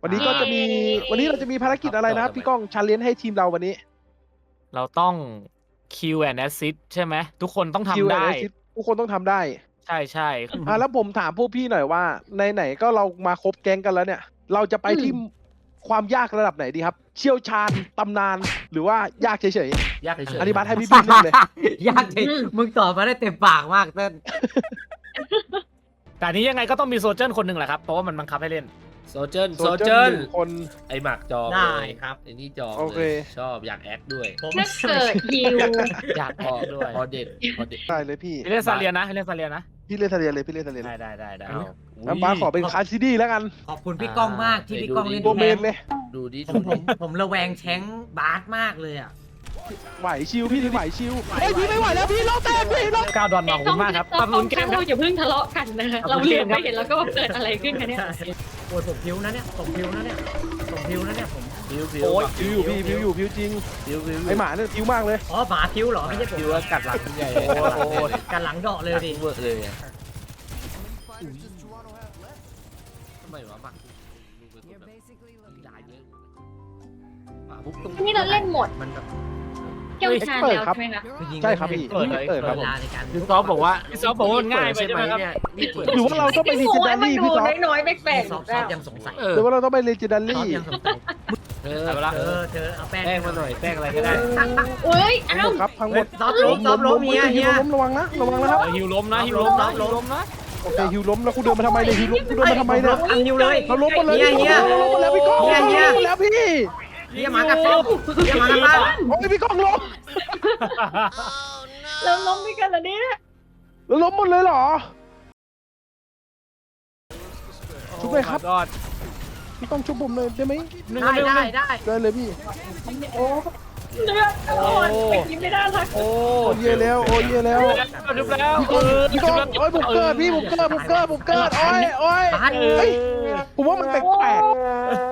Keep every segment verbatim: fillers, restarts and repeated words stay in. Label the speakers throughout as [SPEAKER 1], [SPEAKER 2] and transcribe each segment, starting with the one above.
[SPEAKER 1] วันนี้ก็จะมีวันนี้เราจะมีภารกิจอะไรนะครับพี่ก้องชาเลนจ์ให้ทีมเราวันนี้
[SPEAKER 2] เราต้อง คิว แอนด์ assist ใช่ไหมทุกคนต้อง
[SPEAKER 1] คิว
[SPEAKER 2] ทำ
[SPEAKER 1] แอน
[SPEAKER 2] ได้
[SPEAKER 1] ด์ Assist ทุกคนต้องทำได้
[SPEAKER 2] ใช่ใช่
[SPEAKER 1] อ่ะแล้วผมถามพวกพี่หน่อยว่าในไหนๆก็เรามาครบแก๊งกันแล้วเนี่ย เราจะไปที่ความยากระดับไหนดีครับ เชี่ยวชาญตำนานหรือว่ายากเฉย
[SPEAKER 3] ยากเฉย
[SPEAKER 1] ๆอธิบายให้พี่พี่เล่นเลย
[SPEAKER 4] ยากจริงมึงตอบมาได้เต็มปากมากเต้น
[SPEAKER 2] แต่อันนี้ยังไงก็ต้องมีโซเจอร์คนหนึ่งแหละครับ เพราะว่ามันบังคับให้เล่น
[SPEAKER 3] โซเจอร์
[SPEAKER 1] โซ
[SPEAKER 3] โซ
[SPEAKER 1] เจ
[SPEAKER 3] เจ
[SPEAKER 1] อ
[SPEAKER 3] อ
[SPEAKER 1] ร์
[SPEAKER 3] ร์
[SPEAKER 1] หนึ่งคน
[SPEAKER 3] ไอหมักจอง
[SPEAKER 4] ได้ครับ
[SPEAKER 3] ไอนี่จอง
[SPEAKER 1] โอเค
[SPEAKER 3] เลยชอบอยากแอคด้วย
[SPEAKER 4] ผม
[SPEAKER 5] ถ้าเกิดฮิว
[SPEAKER 2] อยาก
[SPEAKER 3] พ
[SPEAKER 2] อ
[SPEAKER 3] อ
[SPEAKER 2] อกด้วย
[SPEAKER 3] พอเด็ดพอเด็ด
[SPEAKER 1] ได้เลยพี่
[SPEAKER 2] ให้เล่นซาเลียนนะให้เล่นซาเลียนนะ
[SPEAKER 1] พี่เล่นทะเลเลยพี่เล่นทะเลเล
[SPEAKER 2] ได้
[SPEAKER 1] ย
[SPEAKER 2] ได้ได้ได้
[SPEAKER 1] น้ำบ้าสขอเป็นคาร์ซิดี้แล้วกัน
[SPEAKER 4] ขอบคุณพี่ก้องมากที่พี่ก้องเล่น
[SPEAKER 1] ตัวเม
[SPEAKER 4] แท
[SPEAKER 1] นเลย
[SPEAKER 3] ดูดิ
[SPEAKER 4] ผ
[SPEAKER 3] ดู
[SPEAKER 4] มผ
[SPEAKER 3] ดิ
[SPEAKER 4] มผมระแวงแชงบาสมากเลยอ่ะ
[SPEAKER 1] ไหวชิวพี่ไหวชิวเฮ้ยพี่ไม่ไหวแล้วพี่เราแตกพี่เรา
[SPEAKER 2] ก้าวดอนมาขอบคุณมากครับ
[SPEAKER 5] ต้
[SPEAKER 2] ป
[SPEAKER 5] อ
[SPEAKER 2] รั
[SPEAKER 5] ง
[SPEAKER 2] บ
[SPEAKER 5] ต้
[SPEAKER 2] ลุ้
[SPEAKER 5] อง
[SPEAKER 2] นเกมครั
[SPEAKER 5] เรา
[SPEAKER 2] บ
[SPEAKER 5] อย่าเพิ่งทะเลาะกันนะคะเราเหลือไปเห็นแล้วก็เกิดอะไรขึ้นคะเนี่ย
[SPEAKER 4] โอ้ยผมพิวนะเนี่ยผมพิวนะเนี่ยผมพิวนะเนี่ยผม
[SPEAKER 3] ผิวผิว
[SPEAKER 2] โอ้ย
[SPEAKER 1] พิวอยู่พี่พิวอยู่พิวจริง
[SPEAKER 3] ผิวผิว
[SPEAKER 1] ไอหมาเนี่ยพิวมากเลย
[SPEAKER 4] อ๋อหมาพิวเหรอไม่ใช่ผม
[SPEAKER 3] ผิวกัดหลังใหญ่
[SPEAKER 2] โอ้ยโอ้ย
[SPEAKER 4] กันหลังเดาะเลย
[SPEAKER 3] กัด
[SPEAKER 4] ดิ
[SPEAKER 3] เวอร์เลยอะทำไมวะหมักดูเป็นคนแบบกีฬาเยอะหมาปุ๊บตรง
[SPEAKER 5] นี่เราเล่นหมด
[SPEAKER 4] มันแบบ
[SPEAKER 5] เกี่ยวชาญแล้วใช่ไหมคะ
[SPEAKER 1] ใช่ครับพี่
[SPEAKER 2] เปิดเลย
[SPEAKER 1] เปิดครับ
[SPEAKER 4] เว
[SPEAKER 1] ผม
[SPEAKER 4] ลาในการ
[SPEAKER 3] พี่ซอฟบอกว่า
[SPEAKER 2] พี่ซอฟบอกว่าง่ายไป
[SPEAKER 3] ใช่
[SPEAKER 2] ใช่
[SPEAKER 3] ไห
[SPEAKER 2] ไห
[SPEAKER 3] ม
[SPEAKER 2] มครับ
[SPEAKER 3] เนี่ยนี่เปิด
[SPEAKER 1] หรือว่าเราต้องไป
[SPEAKER 5] พี่
[SPEAKER 1] ลี
[SPEAKER 5] โอ้
[SPEAKER 1] เจนดาย
[SPEAKER 5] มัน
[SPEAKER 1] รี่
[SPEAKER 5] ดู
[SPEAKER 1] พี่ซอฟ
[SPEAKER 5] น้อยๆแปลก
[SPEAKER 4] ซอฟ
[SPEAKER 5] ๆ
[SPEAKER 4] ซอ
[SPEAKER 5] แล้
[SPEAKER 4] ฟ
[SPEAKER 5] ว
[SPEAKER 4] ยังสงสัย
[SPEAKER 3] เออ
[SPEAKER 1] หรือว่าเราต้องไปลีเจนดา
[SPEAKER 4] ซอ
[SPEAKER 1] รี่
[SPEAKER 4] ฟยังสงสัย
[SPEAKER 3] เออ
[SPEAKER 2] เอาไปละ
[SPEAKER 4] เธอเธอเอาแป้ง
[SPEAKER 3] แป้งมาหน่อยแป้งอะไรก็ได้
[SPEAKER 5] โอ้ย
[SPEAKER 1] ทั้ง
[SPEAKER 5] อ้า
[SPEAKER 1] หม
[SPEAKER 5] ว
[SPEAKER 1] ดครับทั้งหม
[SPEAKER 4] เฮ้ย
[SPEAKER 1] ด
[SPEAKER 4] ซอฟล้มซอฟล้มเฮียเฮีย
[SPEAKER 1] ล้มระวังนะระวังนะครับ
[SPEAKER 2] เออฮิวล้มนะฮิวล้มนะฮิวล้มนะ
[SPEAKER 1] โอเคฮิวล้มแล้วกูเดินมาทำไมเนี่ยฮิวล้มกูเดินมาทำไมเนี่ย
[SPEAKER 4] อันนิวเลย
[SPEAKER 1] เราล้มหมดเลย
[SPEAKER 4] เฮียเฮีย
[SPEAKER 1] เราล้มหมดแล้วพี่ก้อง
[SPEAKER 4] เฮียเฮีย
[SPEAKER 1] เราล้มหมดแล้วพี่
[SPEAKER 4] เฮียหมากัดซอฟเฮียหมากัดบ้าน
[SPEAKER 1] โอ้ยพี่ก้องล้ม
[SPEAKER 5] เราล้มด้วยกันเหรอเนี่ย
[SPEAKER 1] เราล้มหมดเลยเหรอชุบเลยครับ
[SPEAKER 2] กอด
[SPEAKER 1] พี่ก้องชุบผมเลยได้ไหม
[SPEAKER 4] ได้ได้ได้
[SPEAKER 1] ได้เลยพี่
[SPEAKER 5] โอ้เลือดโอ้ยไปกินไม่ได้ทัก
[SPEAKER 2] โอ้
[SPEAKER 1] โอ้เย่แล้วโอ้เย่แล้ว
[SPEAKER 2] ชุบแล้ว
[SPEAKER 1] พี่ก้องพี่ก้องโอ้ยผมเกิดพี่ผมเกิดผมเกิดผมเกิดโอ้ยโอ้ย
[SPEAKER 4] บ้าน
[SPEAKER 1] เฮ้ยผมว่ามันแปลกๆ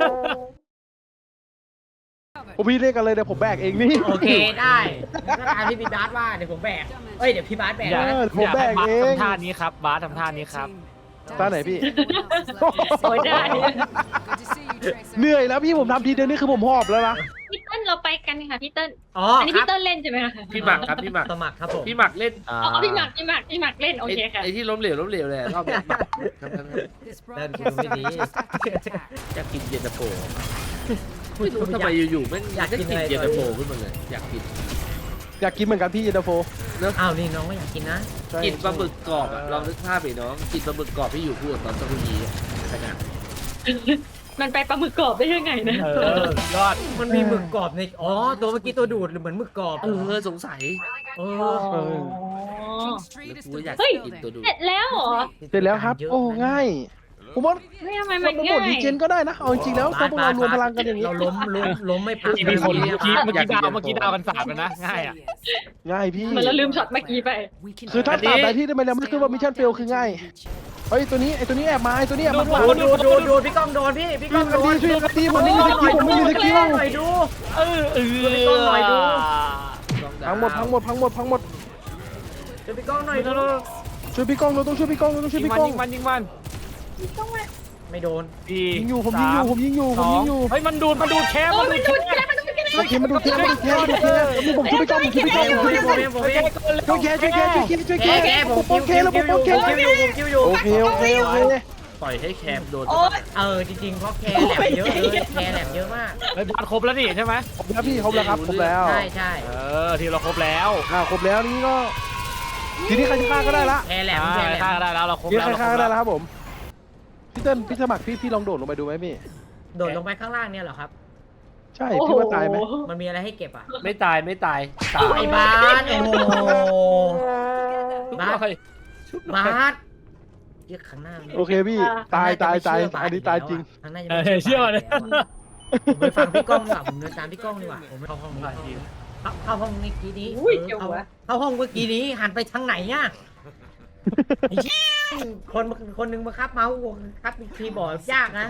[SPEAKER 1] ผมพี่เล่นกันเลยเดี๋ยวผมแบกเองนี่
[SPEAKER 4] โอเคได้ก็ตามที่พี่บาสว่าเดี๋ยวผมแบกเอ้ยเดี๋ยวพี่บาสแบก
[SPEAKER 2] อยาก
[SPEAKER 4] นะ
[SPEAKER 1] ผม
[SPEAKER 2] อยาก
[SPEAKER 1] แบ
[SPEAKER 2] ให้
[SPEAKER 1] ก
[SPEAKER 2] บาส
[SPEAKER 1] เอง
[SPEAKER 2] ทำท่านี้ครับบาสทำท่านี้ครับ
[SPEAKER 1] ตาไหนพี่
[SPEAKER 5] โอ้ยได้
[SPEAKER 1] เหนื่อยแล้วพี่ผมทำทีเดียวนี่คือผมหอบแล้วนะ
[SPEAKER 5] พี่เติ้ลเราไปกันค่ะพี่เติ้ล
[SPEAKER 4] อ๋อ
[SPEAKER 5] อันนี้
[SPEAKER 4] ครั
[SPEAKER 5] พี่
[SPEAKER 4] บ
[SPEAKER 5] เติ้ลเล่นใช่ไหมคะ
[SPEAKER 3] พี่หมักครับพี่หมัก
[SPEAKER 4] สมัครครับผม
[SPEAKER 3] พี่หมักเล่น
[SPEAKER 2] อ่า
[SPEAKER 5] เอาพี่หมักพี่หมักพี่หมักเล่นโอเคค่ะ
[SPEAKER 3] ไอ้ที่ล้มเหลวล้มเหลวเลยรอบนี้หมักครับครับครับ
[SPEAKER 4] เดินคุณไม่ดี
[SPEAKER 3] อยากกินเย็นตาโฟไม่รู้ทำไมอยู่ๆแม่งอยากกินเย็นตาโฟขึ้นมาเลยอยากกิน
[SPEAKER 1] อยากกินเหมือนกันพี่เย็นตาโฟ
[SPEAKER 4] อ้าวนี่น้องก็อยากกินนะ
[SPEAKER 1] ใช่
[SPEAKER 3] กินปลาหมึกกรอบอะลองนึกภาพไปน้องกินปลาหมึกกรอบที่อยู่คู่กับตอนตะลุยีอะขนาด
[SPEAKER 5] มันไปปลาหมึกกรอบได้ยังไงนะ
[SPEAKER 2] เออยอด
[SPEAKER 4] มันมีหมึกกรอบในอ๋อตัวเมื่อกี้ตัวดูดหรือเหมือนหมึกกรอบ
[SPEAKER 3] เออสงสัย
[SPEAKER 4] เอ
[SPEAKER 1] เอ
[SPEAKER 4] อ
[SPEAKER 1] อ
[SPEAKER 3] แล้วกูก็อยาก
[SPEAKER 5] เฮ้ย
[SPEAKER 3] กินตัวดู
[SPEAKER 5] เสร็จแล้วเหรอ
[SPEAKER 1] เสร็จแล้วครับ โอ้ง่าย ผมว่า
[SPEAKER 5] เฮ้ยทำไม
[SPEAKER 1] มั
[SPEAKER 5] มัน น
[SPEAKER 1] เป็นบ
[SPEAKER 5] ง่า
[SPEAKER 1] ทดี
[SPEAKER 5] ย
[SPEAKER 1] เจนก็ได้นะเอาจริงๆแล้วถ้าพวกเรารวมพลังกันอย่างนี้
[SPEAKER 4] เราล้มล้มล้มไม่พัก
[SPEAKER 2] เมื่อกี้มีคนเมื่อกี้เมื่อกี้ดาวเมื่อกี้ดาวกันสามแล้วนะง่ายอ่ะ
[SPEAKER 1] ง่ายพี่
[SPEAKER 5] เหมือนเราลืมช็อตเมื่อกี้ไป
[SPEAKER 1] คือถ้าตามใดที่ได้มาแล้วมันคือว่ามิชชั่นเฟลคือง่ายเฮ้ยตัวนี้ไอตัวนี้แอบมาไอตัวนี้แอบมา
[SPEAKER 4] ดูดูดูดูพี่ก้องโดนพี่พี่ก้องโดน
[SPEAKER 1] ช่วยกันดีผมไม่มีสกิลผมไม่มีสกิล
[SPEAKER 4] หน่อยดู
[SPEAKER 2] เออเออ
[SPEAKER 4] พี่ก้องหน่อยดู
[SPEAKER 1] พังหมดพังหมดพังหมดพังหมด
[SPEAKER 4] ดูพี่ก้องหน่อยดู
[SPEAKER 1] ช่วยพี่ก้องเราต้องช่วยพี่ก้องเราต้องช่วย
[SPEAKER 2] ยิง
[SPEAKER 1] พี่
[SPEAKER 2] มัน
[SPEAKER 1] ก้อง
[SPEAKER 2] ยิงมันยิงมัน
[SPEAKER 4] ไม่โดน
[SPEAKER 2] พี่
[SPEAKER 1] ยิงอยู่ผมยิงอยู่ผมยิงอยู่ผมยิงอยู่
[SPEAKER 2] เฮ้ยมันดูดมันดูดแคม
[SPEAKER 5] โอ้
[SPEAKER 2] มั
[SPEAKER 5] ย
[SPEAKER 2] นดู
[SPEAKER 5] มัน
[SPEAKER 2] ด
[SPEAKER 5] ดู
[SPEAKER 2] แค
[SPEAKER 5] ด
[SPEAKER 2] ม
[SPEAKER 5] แค่มันดูดแค่
[SPEAKER 1] มาดูเทียมมาดูเทียมมาดูเทียมผมช่วยพี่ก้องผมช่วยพี่ก้องผมช่วยพี่ก้อง
[SPEAKER 4] ผมเองผมเอง
[SPEAKER 1] ช่วยแกช่วยแกช่วยแกช่วยแก
[SPEAKER 4] แกแกผม
[SPEAKER 1] ผม
[SPEAKER 4] คิว
[SPEAKER 1] โอเค
[SPEAKER 4] คิว
[SPEAKER 1] แล้วผ
[SPEAKER 4] คิ
[SPEAKER 1] ม
[SPEAKER 4] ว
[SPEAKER 1] โอ
[SPEAKER 4] อยู่
[SPEAKER 1] เค
[SPEAKER 4] คิวอยู่ผมคิวอยู่
[SPEAKER 1] โอเคโอเคโอเค
[SPEAKER 3] ปล่อยให้แคมโดน
[SPEAKER 5] โอ้ย
[SPEAKER 4] เออจริงๆเพราะแคร์แหลมเยอะเลยแคร์แหลมเยอะมาก
[SPEAKER 2] เฮ้ยบาสครบแล้วนี่ใช่ไหม
[SPEAKER 1] ครบแล้วพี่ครบแล้วครับครบแล้ว
[SPEAKER 4] ใช่ใช่
[SPEAKER 2] เออทีเราครบแล้ว
[SPEAKER 1] อ่าครบแล้วนี่ก็ทีนี้ใครจะฆ่าก็ได้ละ
[SPEAKER 4] แคร์แหลม
[SPEAKER 2] อ่า
[SPEAKER 4] แคร์แหล
[SPEAKER 2] ฆ่าม ได้แล้วเราครบ
[SPEAKER 1] ทีนี้
[SPEAKER 2] แล้ว
[SPEAKER 1] ใคร
[SPEAKER 2] เราคร
[SPEAKER 1] ฆ่า
[SPEAKER 2] บ
[SPEAKER 1] ก็ได้
[SPEAKER 2] แล้ว
[SPEAKER 1] แล้วครับผมพี่เติ้ลพี่สมัครพี่พี่ลองโดดลงไปดูไหมพี่
[SPEAKER 4] โดดลงไปข้างล่างเนี่ยเหรอครับ
[SPEAKER 1] ใช่พี่ว่าตายไหม
[SPEAKER 4] มันมีอะไรให้เก็บอ่ะ
[SPEAKER 3] ไม่ตายไม่ตายตา
[SPEAKER 4] ไอ้
[SPEAKER 3] ย
[SPEAKER 4] บาสโอ้โห
[SPEAKER 3] บาส
[SPEAKER 4] บาสเรียกข้างหน้า
[SPEAKER 1] โอเคพี่ตายตายตายอันนี้ตายจริง
[SPEAKER 4] ข้างหน้าจะ
[SPEAKER 2] เอ
[SPEAKER 4] ไม่
[SPEAKER 2] อเชื่อเลย
[SPEAKER 4] ผมไปฟังพี่ก้องดีกว่าผมเดินตามพี่ก้องดีกว่าผมเข้าห้องดีกว่าเข้าเข้าห้องเมื่อกี้นี้
[SPEAKER 5] อุ้ย
[SPEAKER 4] เอ
[SPEAKER 5] เกี่ยว
[SPEAKER 4] อ
[SPEAKER 5] หัว
[SPEAKER 4] เข้าห้องเมื่อกี้นี้หันไปทางไหนเนี่ยไอ้เหี้ยคนคนหนึ่งมาครับเมาส์ครับคีย์บอร์ดยากนะ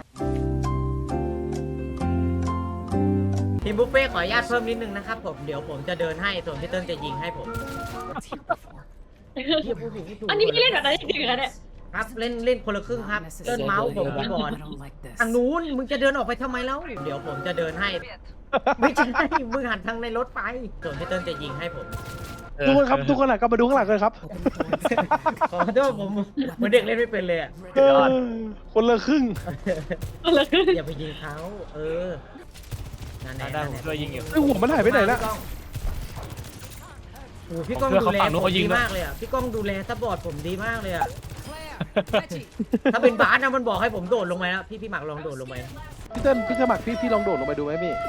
[SPEAKER 4] ทีมบุฟเฟ่ขออนุญาตเพิ่มนิดนึงนะครับผมเดี๋ยวผมจะเดินให้ส่วนพี่เติ้ลจะยิงให้ผมเหี้ยพูดผิดไม่ถูก
[SPEAKER 5] อันนี้พี่เล่นแบบนั้นจริงๆเหรอเนี่ย
[SPEAKER 4] ครับเล่นเล่นคนละครึ่งครับเล่นเมาส์ผมคีย์บอร์ดทางนู้นมึงจะเดินออกไปทำไมแล้วเดี๋ยวผมจะเดินให้ ไม่ใช่มึงหันทางในรถไปส่วนพี่เติ้ลจะยิงให้ผม
[SPEAKER 1] ทุกคนครับทุกคนอะก็มาดูข้างหลังกันครับ
[SPEAKER 4] ขอโทษผมเหมือนเด็กเล่นไม่เป็นเลยอะ
[SPEAKER 1] เออคนละครึ่ง
[SPEAKER 4] อย่าไปยิงเขาเออนั่นแหละ
[SPEAKER 2] ได้ผมช่วยยิงอยู่
[SPEAKER 1] ไอ้หัวมันหายไปไหนละ
[SPEAKER 4] โอ้โหพี่ก้อง
[SPEAKER 2] ผมช่วย
[SPEAKER 4] ดูแล
[SPEAKER 2] เขาฝั่งนู้น
[SPEAKER 4] ผม
[SPEAKER 2] เขายิ
[SPEAKER 4] ดี
[SPEAKER 2] งด้วย
[SPEAKER 4] มากเลยอ่ะพี่ก้องดูแลซัพพอร์ตผมดีมากเลยอ่ะถ้าเป็นบาสนะมันบอกให้ผมโดดลงไปแล้วพี่พี่หมักลองโดดลงไป
[SPEAKER 1] พี่เติ้ลพี่สมัครพี่พี่ลองโดดลงไปดูไหมพี่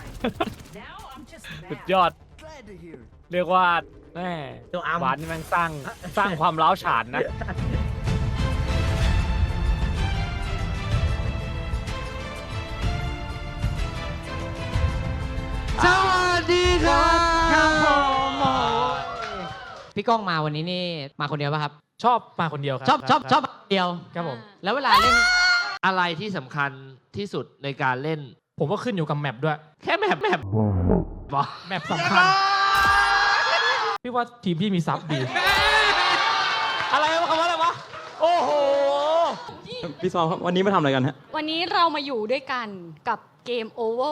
[SPEAKER 2] สุดยอด เรียกว่าแม่
[SPEAKER 4] ตัวอัม
[SPEAKER 2] หวานนี่แม่งสร้างสร้างความร้าวฉานนะ
[SPEAKER 3] สวัสดีครับ
[SPEAKER 4] ครับผม
[SPEAKER 6] พี่ก้องมาวันนี้นี่มาคนเดียวป่ะครับ
[SPEAKER 2] ชอบมาคนเดียวครับ
[SPEAKER 6] ชอบชอบชอบมาคนเดียว
[SPEAKER 2] ครับผม
[SPEAKER 6] แล้วเวลาเล่น
[SPEAKER 3] อะไรที่สำคัญที่สุดในการเล่น
[SPEAKER 2] ผมว่าขึ้นอยู่กับแมปด้วย
[SPEAKER 3] แค่แมปแมปบอ
[SPEAKER 2] แมปสำคัญ พี่ว่าทีมพี่มีซับดี อะไรวะคำว่าอะไรวะ โอ้โห
[SPEAKER 7] พี่ซอมครับวันนี้มาทำอะไรกันฮะ
[SPEAKER 5] วันนี้เรามาอยู่ด้วยกันกับเกมโอเวอร์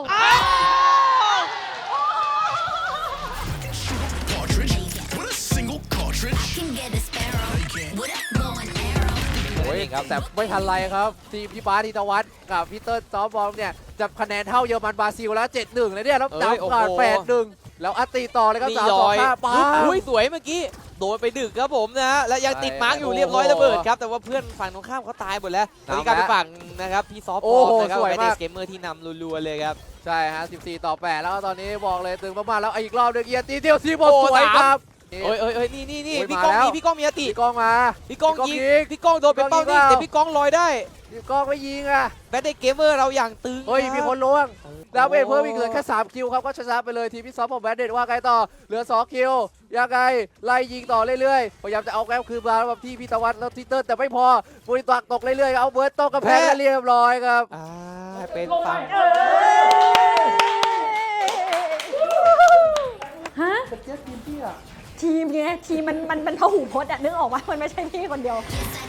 [SPEAKER 8] โอ้ยครับแต่ไม่ทันไรครับ ทีมพี่บาสธีรวัฒน์กับพี่เติ้ลซอฟต์บอลเนี่ยจับคะแนนเท่าเยอรมันบราซิลแล้ว เจ็ดหนึ่ง เลยเนี่ยแล้ว
[SPEAKER 9] เอ้ย
[SPEAKER 8] ดำก่อน
[SPEAKER 9] โอ้โห
[SPEAKER 8] แปดหนึ่ง แล้วอัตติต่อเลยครับ
[SPEAKER 9] นี่
[SPEAKER 8] สาม
[SPEAKER 9] ล
[SPEAKER 8] สอง
[SPEAKER 9] อย
[SPEAKER 8] ห้าป้า
[SPEAKER 9] อุ้ยสวยเมื่อกี้โดนไปดึกครับผมนะฮะและยังติดมาร์กอยู่เรียบร้อยระเบิดครับแต่ว่าเพื่อนฝั่งตรงข้ามเขาตายหมดแล้วตอนนี้กลายเป็นฝั่งนะครับพี่ซอฟต์
[SPEAKER 8] โอ้
[SPEAKER 9] บอล
[SPEAKER 8] โห
[SPEAKER 9] นะครับ
[SPEAKER 8] สวย
[SPEAKER 9] เป็น
[SPEAKER 8] มาก
[SPEAKER 9] เกมเมอร์ที่นำรัวๆเลยครับ
[SPEAKER 8] ใช่ฮะสิบสี่ต่อแปดแล้วก็ตอนนี้บอกเลยตึงมากๆแล้วอีกรอบหนึงเอียตีเดียวซีบอล
[SPEAKER 9] โอ้
[SPEAKER 8] สวย
[SPEAKER 9] สาม
[SPEAKER 8] ครับ
[SPEAKER 9] เอ้ยเอ้ยเอ้ยนี่นี่นี่
[SPEAKER 8] โอ้ย
[SPEAKER 9] พี่
[SPEAKER 8] มา
[SPEAKER 9] ก้อง
[SPEAKER 8] แล้ว
[SPEAKER 9] มีพี่ก้องมีอติ
[SPEAKER 8] พี่ก้องมา
[SPEAKER 9] พี่ก้อง
[SPEAKER 8] พี่
[SPEAKER 9] ยิง
[SPEAKER 8] ก้องยิง
[SPEAKER 9] พี่ก้องโดนเป็นเป้า
[SPEAKER 8] พี่ก้องยิง
[SPEAKER 9] นิ่งแต่พี่ก้องลอยได้
[SPEAKER 8] พี่ก้องไม่ยิงอ่ะ
[SPEAKER 9] แบทเดย์เกมเมอร์เราอย่างตึง
[SPEAKER 8] เฮ้ย
[SPEAKER 9] ครับ
[SPEAKER 8] มีคนล้วงแล้วเป็นเพิ่มอีกเหลือแค่สามคิวครับก็ชนะไปเลยทีมพี่ซอฟของแบดเด็ดว่าไงต่อเหลือสองคิวยังไงไล่ยิงต่อเรื่อยๆพยายามจะเอาแก้วคืนมาแล้วแบบที่พี่ตะวันแล้วทิเตอร์แต่ไม่พอบุรีตักตกเรื่อยๆเอาเบิร์ตตกกระแพงแล้วเรียบร้อยครับ
[SPEAKER 9] อ่าเป็นฝั่ง
[SPEAKER 5] ฮะทีมไงทีมมันมันมันพหูพจน์อะนึกออกว่ามันไม่ใช่พี่คนเดียว
[SPEAKER 10] Yes, I